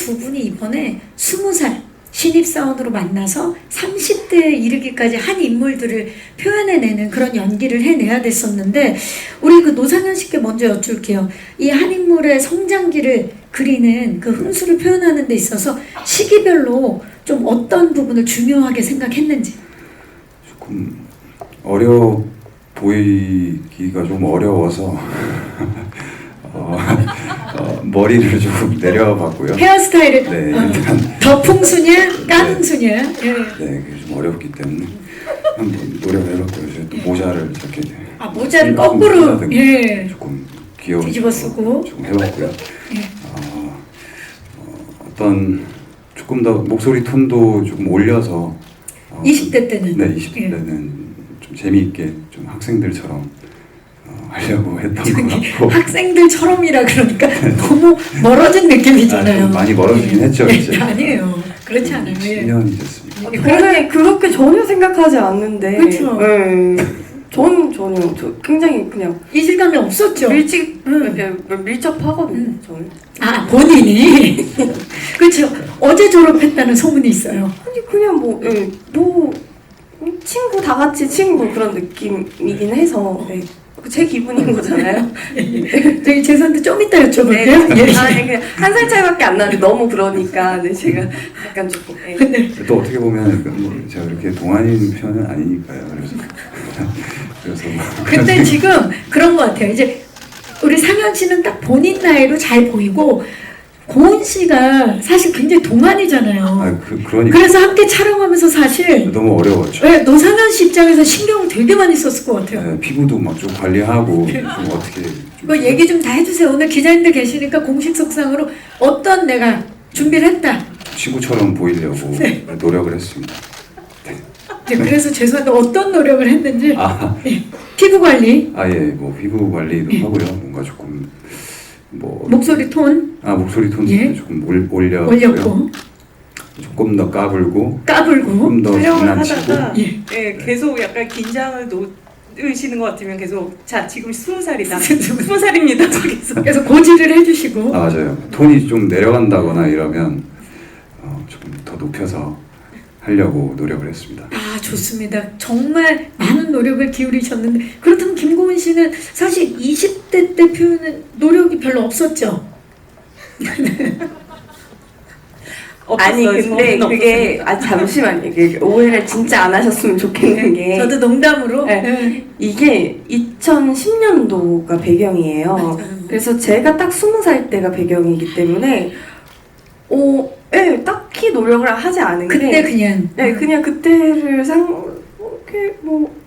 두 분이 이번에 20살 신입사원으로 만나서 30대에 이르기까지 한 인물들을 표현해내는 그런 연기를 해내야 됐었는데, 우리 그 노상현 씨께 먼저 여쭐게요. 이 한 인물의 성장기를 그리는 그 흥수를 표현하는 데 있어서 시기별로 좀 어떤 부분을 중요하게 생각했는지. 조금 어려 보이기가 좀 어려워서 머리를 조금 내려봤고요. 헤어스타일을 네, 일단 더 풍수냐 깡수냐. 예. 네, 그게 좀 어렵기 때문에 한번 노력을 해봤고요. 제가 또 모자를 이렇게 모자를 거꾸로 조금 귀여운 뒤집어 쓰고 좀 해봤고요. 예. 어떤 조금 더 목소리 톤도 조금 올려서 20대 때는 네, 20대 때는 좀 재미있게 좀 학생들처럼 하려고 했던 것 같고. 학생들처럼이라 그러니까 너무 멀어진 느낌이잖아요. 좀 많이 멀어지긴 했죠, 이제. 아니에요. 그렇지 않아요. 10년이 됐습니다. 근데 그렇게 전혀 생각하지 않는데. 그렇죠. 네. 저는 전혀 굉장히 그냥 이질감이 없었죠. 밀접하거든요. 저는. 아, 본인이. 그렇죠. 어제 졸업했다는 소문이 있어요. 아니 그냥 뭐 친구 다 같이 친구 그런 느낌이긴 해서 제 기분인 거잖아요. 저희 재산도 좀 이따 여쭤볼게요. 네. 그냥 한 살 차이밖에 안 나는데 너무 그러니까 제가 약간 조금. 또 어떻게 보면 뭐 제가 그렇게 동안인 편은 아니니까요. 그래서 근데 지금 그런 것 같아요. 이제 우리 상현 씨는 딱 본인 나이로 잘 보이고, 고은 씨가 사실 굉장히 동안이잖아요. 그러니까 그래서 함께 촬영하면서 사실 너무 어려웠죠. 네, 노상현 씨 입장에서 신경을 되게 많이 썼을 것 같아요. 네, 피부도 막 좀 관리하고 좀 어떻게 그 얘기 좀 다 해주세요. 오늘 기자님들 계시니까 공식 속상으로 어떤 내가 준비를 했다. 친구처럼 보이려고 노력을 했습니다. 네, 그래서 죄송한데 어떤 노력을 했는지. 예, 피부 관리. 뭐 피부 관리도 하고요. 뭔가 조금 뭐 목소리 톤. 목소리 톤도 조금 올렸고 조금 더 까불고 조금 더 촬영을 장난치고 하다가 계속 약간 긴장을 놓으시는 것 같으면 계속 자 지금 20살이다 20살입니다 저기서 그래서 고지를 해주시고. 맞아요. 톤이 좀 내려간다거나 이러면 조금 더 높여서 하려고 노력을 했습니다. 아, 좋습니다. 정말 많은 노력을 기울이셨는데, 그렇다면 김고은 씨는 사실 20대 때 표현은 노력이 별로 없었죠? 아니 근데 그게 잠시만요. 이게 오해를 진짜 안 하셨으면 좋겠는 게 저도 농담으로. 이게 2010년도가 배경이에요. 맞아요. 그래서 제가 딱 20살 때가 배경이기 때문에 딱히 노력을 하지 않은 그때 게 그냥 그때를 이렇게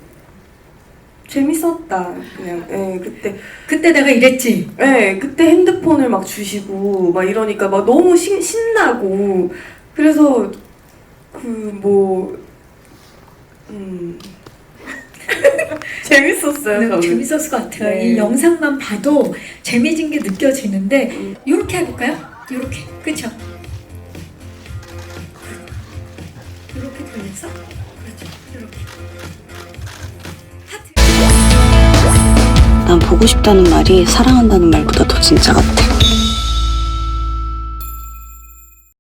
재밌었다. 그냥 그때 내가 이랬지. 그때 핸드폰을 막 주시고 막 이러니까 막 너무 신나고 그래서 재밌었어요. 저는. 재밌었을 것 같아요. 네. 이 영상만 봐도 재미진 게 느껴지는데, 이렇게 해볼까요? 이렇게, 그렇죠? 이렇게 돌려서, 그렇죠? 이렇게. 하트. 난 보고 싶다는 말이 사랑한다는 말보다 더 진짜 같아.